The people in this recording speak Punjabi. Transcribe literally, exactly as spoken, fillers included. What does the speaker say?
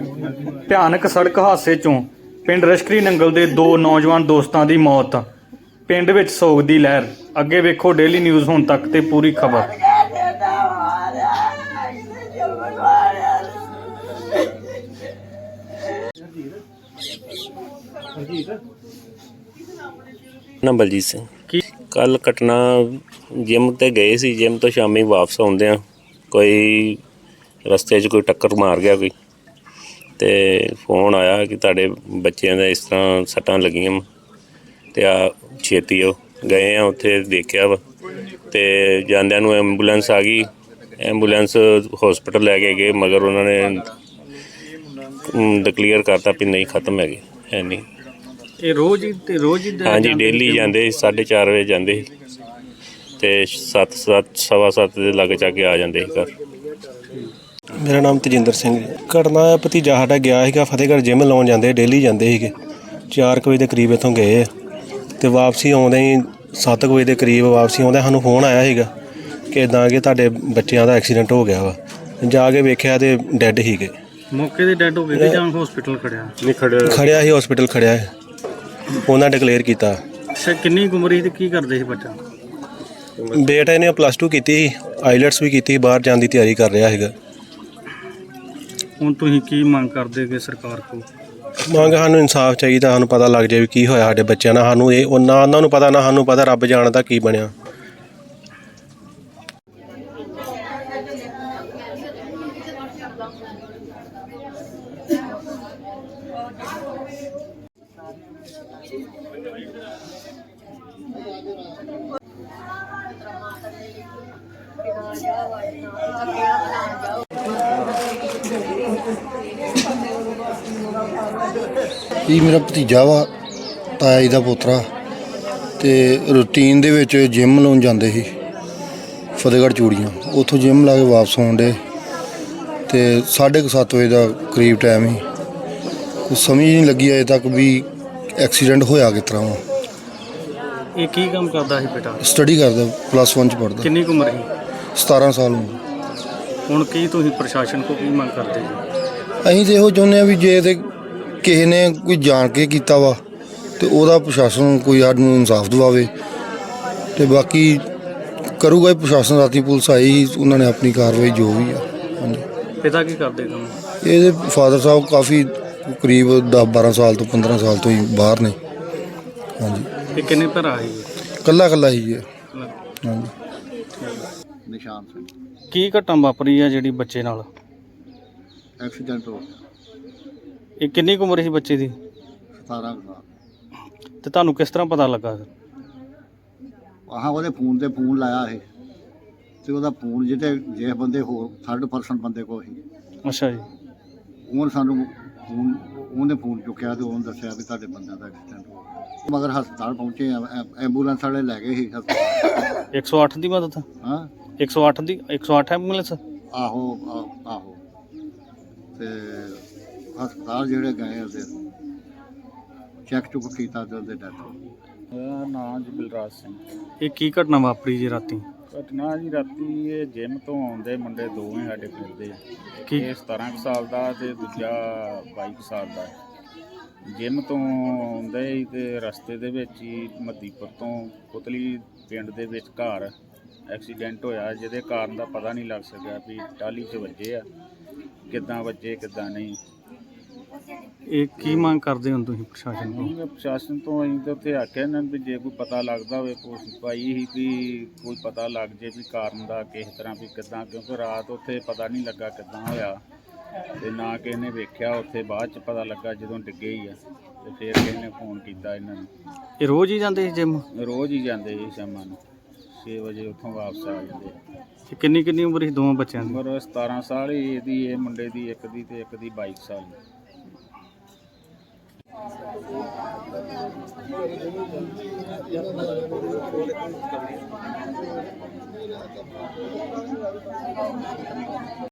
ਭਿਆਨਕ ਸੜਕ ਹਾਦਸੇ ਚੋਂ ਪਿੰਡ ਰਸ਼ਕਰੀ ਨੰਗਲ ਦੇ ਦੋ ਨੌਜਵਾਨ ਦੋਸਤਾਂ ਦੀ ਮੌਤ। ਪਿੰਡ ਵਿੱਚ ਸੋਗ ਦੀ ਲਹਿਰ। ਅੱਗੇ ਵੇਖੋ ਡੇਲੀ ਨਿਊਜ਼ ਹੁਣ ਤੱਕ ਤੇ ਪੂਰੀ ਖਬਰ। ਨਾ ਬਲਜੀਤ ਸਿੰਘ ਕੀ ਕੱਲ ਘਟਨਾ ਜਿਮ ਤੇ ਗਏ ਸੀ। ਜਿਮ ਤੋਂ ਸ਼ਾਮੀ ਵਾਪਸ ਆਉਂਦੇ ਆ ਕੋਈ ਰਸਤੇ 'ਚ ਕੋਈ ਟੱਕਰ ਮਾਰ ਗਿਆ ਕੋਈ, ਤੇ ਫੋਨ ਆਇਆ ਕਿ ਤੁਹਾਡੇ ਬੱਚਿਆਂ ਦਾ ਇਸ ਤਰ੍ਹਾਂ ਸੱਟਾਂ ਲੱਗੀਆਂ ਤੇ ਆ ਛੇਤੀ ਉਹ ਗਏ ਆ ਉੱਥੇ ਦੇਖਿਆ ਵਾ ਤੇ ਜਾਂਦਿਆਂ ਨੂੰ ਐਂਬੂਲੈਂਸ ਆ ਗਈ। ਐਂਬੂਲੈਂਸ ਹੌਸਪੀਟਲ ਲੈ ਕੇ ਗਏ ਮਗਰ ਉਹਨਾਂ ਨੇ ਡਿਕਲੇਅਰ ਕਰਤਾ ਵੀ ਨਹੀਂ ਖਤਮ ਹੈਗੇ ਹੈ ਨਹੀਂ। ਇਹ ਰੋਜ਼ ਹੀ ਤੇ ਰੋਜ਼ ਹੀ ਹਾਂਜੀ ਡੇਲੀ ਜਾਂਦੇ ਸੀ, ਸਾਢੇ ਚਾਰ ਵਜੇ ਜਾਂਦੇ ਸੀ ਤੇ ਸੱਤ ਸੱਤ ਸਵਾ ਸੱਤ ਦੇ ਲਾਗੇ ਜਾ ਕੇ ਆ ਜਾਂਦੇ ਸੀ ਘਰ। ਮੇਰਾ ਨਾਮ ਤੇਜਿੰਦਰ ਸਿੰਘ ਜੀ। ਘਟਨਾ ਭਤੀਜਾ ਸਾਡਾ ਗਿਆ ਸੀਗਾ ਫਤਿਹਗੜ੍ਹ ਜਿੰਮ ਲਾਉਣ ਜਾਂਦੇ ਡੇਲੀ ਜਾਂਦੇ ਸੀਗੇ। ਚਾਰ ਕੁ ਵਜੇ ਦੇ ਕਰੀਬ ਇੱਥੋਂ ਗਏ ਅਤੇ ਵਾਪਸੀ ਆਉਂਦੇ ਹੀ ਸੱਤ ਕੁ ਵਜੇ ਦੇ ਕਰੀਬ ਵਾਪਸੀ ਆਉਂਦੇ ਸਾਨੂੰ ਫੋਨ ਆਇਆ ਸੀਗਾ ਕਿ ਇੱਦਾਂ ਕਿ ਤੁਹਾਡੇ ਬੱਚਿਆਂ ਦਾ ਐਕਸੀਡੈਂਟ ਹੋ ਗਿਆ ਵਾ। ਜਾ ਕੇ ਵੇਖਿਆ ਤੇ ਡੈੱਡ ਸੀਗੇ। ਮੌਕੇ ਤੇ ਡੈਡ ਹੋ ਗਏ ਜਾਂ ਹਸਪੀਟਲ ਖੜਿਆ? ਨਹੀਂ ਖੜਿਆ ਖੜਿਆ ਸੀ ਹਸਪੀਟਲ ਖੜਿਆ ਸੀ। ਉਹਨਾਂ ਡਿਕਲੇਅਰ ਕੀਤਾ। ਅੱਛਾ, ਕਿੰਨੀ ਕੁ ਉਮਰ ਸੀ ਤੇ ਕੀ ਕਰਦੇ ਸੀ ਬੱਚਾ? ਬੇਟਾ ਇਹਨੇ ਪਲੱਸ ਟੂ ਕੀਤੀ ਸੀ, ਆਈਲੈਟਸ ਵੀ ਕੀਤੀ, ਬਾਹਰ ਜਾਣ ਦੀ ਤਿਆਰੀ ਕਰ ਰਿਹਾ ਸੀਗਾ। ਹੁਣ ਤੁਸੀਂ ਕੀ ਮੰਗ ਕਰਦੇ ਕਿ ਸਰਕਾਰ ਕੋਲ? ਮੰਗ ਸਾਨੂੰ ਇਨਸਾਫ ਚਾਹੀਦਾ, ਸਾਨੂੰ ਪਤਾ ਲੱਗ ਜਾਏ ਵੀ ਕੀ ਹੋਇਆ ਸਾਡੇ ਬੱਚਿਆਂ ਨਾਲ। ਸਾਨੂੰ ਇਹ ਨਾ ਉਹਨਾਂ ਨੂੰ ਪਤਾ ਨਾ ਸਾਨੂੰ ਪਤਾ, ਰੱਬ ਜਾਣਦਾ ਕੀ ਬਣਿਆ। ਇਹ ਮੇਰਾ ਭਤੀਜਾ ਵਾ, ਤਾਇਆ ਜੀ ਦਾ ਪੋਤਰਾ, ਤੇ ਰੂਟੀਨ ਦੇ ਵਿੱਚ ਜਿਮ ਲਾਉਣ ਜਾਂਦੇ ਸੀ ਫਤਿਹਗੜ੍ਹ ਚੂੜੀਆਂ। ਉੱਥੋਂ ਜਿਮ ਲਾ ਕੇ ਵਾਪਸ ਆਉਣ ਡੇ ਤੇ ਸਾਢੇ ਕੁ ਸੱਤ ਵਜੇ ਦਾ ਕਰੀਬ ਟਾਈਮ ਸੀ। ਕੁਛ ਸਮਝ ਨਹੀਂ ਲੱਗੀ ਅਜੇ ਤੱਕ ਵੀ ਐਕਸੀਡੈਂਟ ਹੋਇਆ ਕਿਸ ਤਰ੍ਹਾਂ ਵਾ। ਇਹ ਕੀ ਕੰਮ ਕਰਦਾ ਸੀ ਬੇਟਾ? ਸਟੱਡੀ ਕਰਦਾ, ਪਲੱਸ ਵਨ 'ਚ ਪੜ੍ਹਦਾ। ਕਿੰਨੀ ਕੁ ਉਮਰ ਸੀ? ਸਤਾਰਾਂ ਸਾਲ ਉਮਰ। ਹੁਣ ਕੀ ਤੁਸੀਂ ਪ੍ਰਸ਼ਾਸਨ ਕੋਲ ਕੀ ਮੰਗ ਕਰਦੇ ਜੀ? ਅਸੀਂ ਤਾਂ ਇਹੋ ਚਾਹੁੰਦੇ ਹਾਂ ਵੀ ਜੇ ਤੇ ਕਿਸੇ ਨੇ ਕੋਈ ਜਾਣ ਕੇ ਕੀਤਾ ਵਾ ਤੇ ਉਹਦਾ ਪ੍ਰਸ਼ਾਸਨ ਕੋਈ ਸਾਨੂੰ ਇਨਸਾਫ ਦਿਵਾਵੇ। ਤੇ ਬਾਕੀ ਕਰੂਗਾ ਹੀ ਪ੍ਰਸ਼ਾਸਨ। ਰਾਤੀ ਪੁਲਿਸ ਆਈ, ਉਹਨਾਂ ਨੇ ਆਪਣੀ ਕਾਰਵਾਈ ਜੋ ਵੀ ਆ। ਹਾਂਜੀ। ਪਿਤਾ ਕੀ ਕਰਦੇ ਕੰਮ? ਇਹਦੇ ਫਾਦਰ ਸਾਹਿਬ ਕਾਫੀ ਕਰੀਬ ਦਸ ਬਾਰਾਂ ਸਾਲ ਤੋਂ ਪੰਦਰਾਂ ਸਾਲ ਤੋਂ ਹੀ ਬਾਹਰ ਨੇ। ਹਾਂਜੀ। ਇਹ ਕਿੰਨੇ ਭਰਾ ਸੀ? ਇਕੱਲਾ ਇਕੱਲਾ ਹੀ ਹੈ। ਹਾਂਜੀ। ਨਿਸ਼ਾਨ ਸਿੰਘ। ਕੀ ਘਟਨਾ ਵਾਪਰੀ ਆ ਜਿਹੜੀ ਬੱਚੇ ਨਾਲ? ਐਕਸੀਡੈਂਟ ਹੋ ਗਿਆ। ਇਹ ਕਿੰਨੀ ਕੁ ਉਮਰ ਸੀ ਬੱਚੇ ਦੀ? ਸਤਾਰਾਂ ਸਾਲ। ਤੇ ਤੁਹਾਨੂੰ ਕਿਸ ਤਰ੍ਹਾਂ ਪਤਾ ਲੱਗਾ? ਆਹਾਂ ਉਹਦੇ ਫੋਨ ਤੇ ਫੋਨ ਲਾਇਆ ਇਹ ਤੇ ਉਹਦਾ ਫੋਨ ਜਿਹੜੇ ਜਿਸ ਬੰਦੇ ਹੋਰ ਥਰਡ ਪਰਸਨ ਬੰਦੇ ਕੋਲ ਸੀ, ਅੱਛਾ ਜੀ। ਉਹਨੇ ਸਾਨੂੰ ਫੋਨ ਉਹਨੇ ਫੋਨ ਚੁੱਕਿਆ ਤੇ ਉਹਨੇ ਦੱਸਿਆ ਵੀ ਤੁਹਾਡੇ ਬੰਦਿਆਂ ਦਾ ਐਕਸੀਡੈਂਟ ਹੋ ਗਿਆ। ਮਗਰ ਹਸਪਤਾਲ ਪਹੁੰਚੇ, ਐਂਬੂਲੈਂਸ ਵਾਲੇ ਲੈ ਗਏ ਸੀ ਹਸਪਤਾਲ। ਇੱਕ ਸੌ ਅੱਠ ਦੀ ਮਦਦ? ਹਾਂ, ਇੱਕ ਸੌ ਅੱਠ ਦੀ ਇੱਕ ਸੌ ਅੱਠ ਐਂਬੂਲੈਂਸ? ਆਹੋ ਆਹੋ ਆਹੋ। ਤੇ ਹਸਪਤਾਲ ਜਿਹੜੇ ਗਏ ਉਹਦੇ ਚੈੱਕ ਚੁੱਕ ਕੀਤਾ ਤੇ ਉਹਦੇ ਡੈਥ ਹੋ ਗਈ। ਮੇਰਾ ਨਾਮ ਜੀ ਬਲਰਾਜ ਸਿੰਘ। ਇਹ ਕੀ ਘਟਨਾ ਵਾਪਰੀ ਜੀ ਰਾਤੀ? ਘਟਨਾ ਜੀ ਰਾਤੀ ਇਹ ਜਿਮ ਤੋਂ ਆਉਂਦੇ ਮੁੰਡੇ ਦੋਵੇਂ ਸਾਡੇ ਪਿੰਡ ਦੇ। ਕੀ? ਇਹ ਸਤਾਰਾਂ ਕੁ ਸਾਲ ਦਾ ਤੇ ਦੂਜਾ ਬਾਈ ਕੁ ਸਾਲ ਦਾ। ਜਿਮ ਤੋਂ ਆਉਂਦੇ ਸੀ ਤੇ ਰਸਤੇ ਦੇ ਵਿੱਚ ਹੀ ਮੱਦੀਪੁਰ ਤੋਂ ਪੁਤਲੀ ਪਿੰਡ ਦੇ ਵਿੱਚ ਘਰ ਐਕਸੀਡੈਂਟ ਹੋਇਆ, ਜਿਹਦੇ ਕਾਰਨ ਦਾ ਪਤਾ ਨਹੀਂ ਲੱਗ ਸਕਿਆ ਵੀ ਟਾਹਲੀ 'ਚ ਵੱਜੇ ਆ, ਕਿੱਦਾਂ ਵੱਜੇ ਕਿੱਦਾਂ ਨਹੀਂ। ਇਹ ਕੀ ਮੰਗ ਕਰਦੇ ਹੋ ਤੁਸੀਂ ਪ੍ਰਸ਼ਾਸਨ ਕੋਲ? ਅਸੀਂ ਪ੍ਰਸ਼ਾਸਨ ਤੋਂ ਅਸੀਂ ਤਾਂ ਉੱਥੇ ਆਖਿਆ ਇਹਨਾਂ ਵੀ ਜੇ ਕੋਈ ਪਤਾ ਲੱਗਦਾ ਹੋਵੇ ਕੋਸ਼ਿਸ਼ ਪਾਈ ਸੀ ਵੀ ਕੋਈ ਪਤਾ ਲੱਗ ਜੇ ਵੀ ਕਾਰਨ ਦਾ ਕਿਸ ਤਰ੍ਹਾਂ ਵੀ ਕਿੱਦਾਂ, ਕਿਉਂਕਿ ਰਾਤ ਉੱਥੇ ਪਤਾ ਨਹੀਂ ਲੱਗਾ ਕਿੱਦਾਂ ਹੋਇਆ ਤੇ ਨਾ ਕਿਸੇ ਨੇ ਵੇਖਿਆ। ਉੱਥੇ ਬਾਅਦ 'ਚ ਪਤਾ ਲੱਗਾ ਜਦੋਂ ਡਿੱਗੇ ਹੀ ਆ ਤੇ ਫਿਰ ਕਿਸੇ ਨੇ ਫੋਨ ਕੀਤਾ ਇਹਨਾਂ ਨੂੰ। ਇਹ ਰੋਜ਼ ਹੀ ਜਾਂਦੇ ਸੀ ਜਿਮ? ਰੋਜ਼ ਹੀ ਜਾਂਦੇ ਸੀ ਸ਼ਾਮਾਂ ਨੂੰ ਛੇ ਵਜੇ ਉੱਥੋਂ ਵਾਪਸ ਆ ਜਾਂਦੇ। ਤੇ ਕਿੰਨੀ ਕਿੰਨੀ ਉਮਰ ਸੀ ਦੋਵਾਂ ਬੱਚਿਆਂ ਦੀ? ਉਮਰ ਸਤਾਰਾਂ ਸਾਲ ਹੀ ਇਹਦੀ, ਇਹ ਮੁੰਡੇ ਦੀ ਇੱਕ ਦੀ ਤੇ ਇੱਕ ਦੀ ਬਾਈ ਸਾਲ ਦੀ।